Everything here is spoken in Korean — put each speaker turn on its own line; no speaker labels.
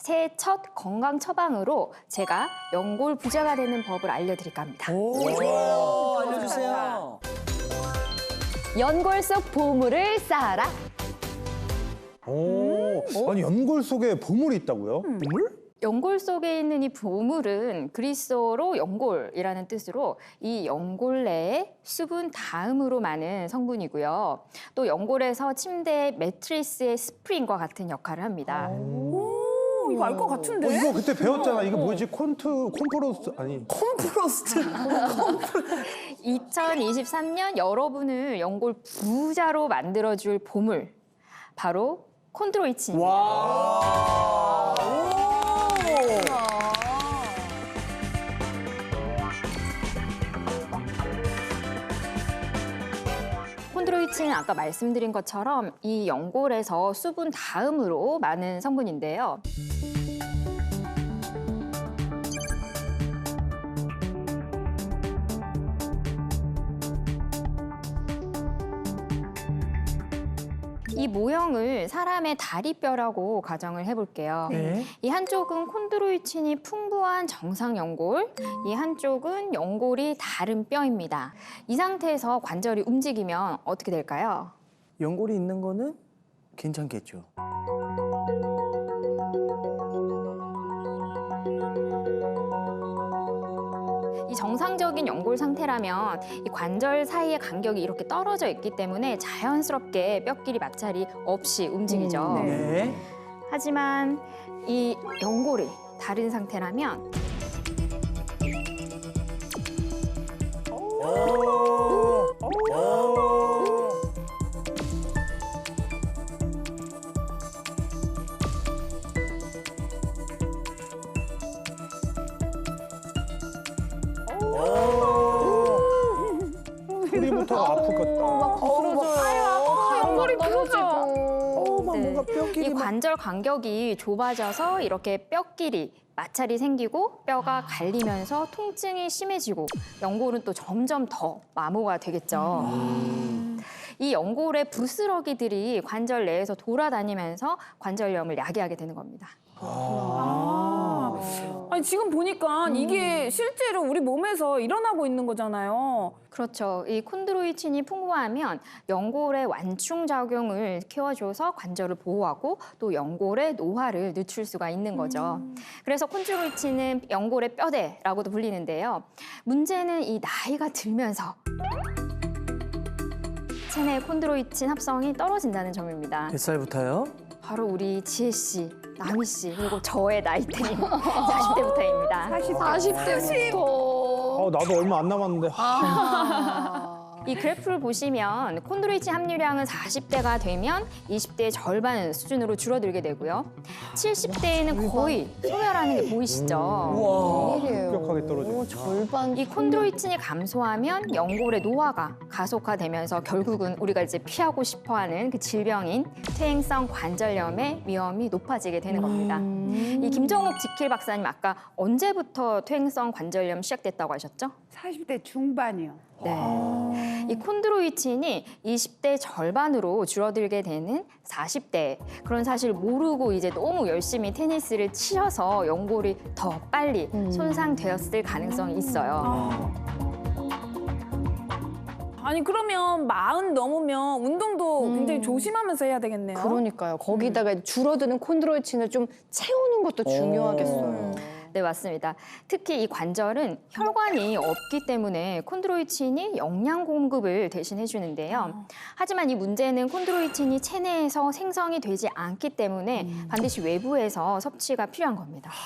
새해 첫 건강 처방으로 제가 연골 부자가 되는 법을 알려드릴까 합니다.
좋아요. 알려주세요.
연골 속 보물을 쌓아라.
아니 연골 속에 보물이 있다고요? 보물?
연골 속에 있는 이 보물은 그리스어로 연골이라는 뜻으로 이 연골 내에 수분 다음으로 많은 성분이고요. 또 연골에서 침대 매트리스의 스프링과 같은 역할을 합니다.
이거 알 것 같은데?
이거 그때 배웠잖아. 이거 뭐지? 콤프로스 아니.
콤프로스트.
2023년 여러분을 연골 부자로 만들어줄 보물, 바로 콘드로이친입니다.
와.
콘드로이친은 아까 말씀드린 것처럼 이 연골에서 수분 다음으로 많은 성분인데요. 이 모형을 사람의 다리뼈라고 가정을 해볼게요.
네.
이 한쪽은 콘드로이친이 풍부한 정상 연골, 이 한쪽은 연골이 다른 뼈입니다. 이 상태에서 관절이 움직이면 어떻게 될까요?
연골이 있는 거는 괜찮겠죠.
이 정상적인 연골 상태라면 이 관절 사이의 간격이 이렇게 떨어져 있기 때문에 자연스럽게 뼈끼리 마찰이 없이 움직이죠.
네.
하지만 이 연골이 다른 상태라면
소리부터 아플 것 같다.
연골이 부러져.
막
네.
뭔가 뼈끼리
이
막.
관절 간격이 좁아져서 이렇게 뼈끼리 마찰이 생기고 뼈가 갈리면서 통증이 심해지고 연골은 또 점점 더 마모가 되겠죠. 이 연골의 부스러기들이 관절 내에서 돌아다니면서 관절염을 야기하게 되는 겁니다.
아니 지금 보니까 이게 실제로 우리 몸에서 일어나고 있는 거잖아요.
그렇죠. 이 콘드로이친이 풍부하면 연골의 완충 작용을 키워줘서 관절을 보호하고 또 연골의 노화를 늦출 수가 있는 거죠. 그래서 콘드로이친은 연골의 뼈대라고도 불리는데요. 문제는 이 나이가 들면서 체내 콘드로이친 합성이 떨어진다는 점입니다.
몇 살부터요?
바로 우리 지혜 씨, 나미 씨, 그리고 저의 나이대인 40대부터입니다.
40대부터. 나도 얼마 안 남았는데.
이 그래프를 보시면 콘드로이친 함유량은 40대가 되면 20대의 절반 수준으로 줄어들게 되고요. 70대에는 거의 소멸하는 게 보이시죠?
와.
급격하게 떨어져.
이 콘드로이친이 감소하면 연골의 노화가 가속화되면서 결국은 우리가 이제 피하고 싶어하는 그 질병인 퇴행성 관절염의 위험이 높아지게 되는 겁니다. 이 김정욱 지킬 박사님 아까 언제부터 퇴행성 관절염 시작됐다고 하셨죠?
40대 중반이요.
네. 이 콘드로이친이 20대 절반으로 줄어들게 되는 40대. 그런 사실 모르고 이제 너무 열심히 테니스를 치셔서 연골이 더 빨리 손상되었을 가능성이 있어요.
아니 그러면 40 넘으면 운동도 굉장히 조심하면서 해야 되겠네요.
그러니까요. 거기다가 줄어드는 콘드로이친을 좀 채우는 것도 중요하겠어요.
네, 맞습니다. 특히 이 관절은 혈관이 없기 때문에 콘드로이친이 영양 공급을 대신해 주는데요. 하지만 이 문제는 콘드로이친이 체내에서 생성이 되지 않기 때문에 반드시 외부에서 섭취가 필요한 겁니다.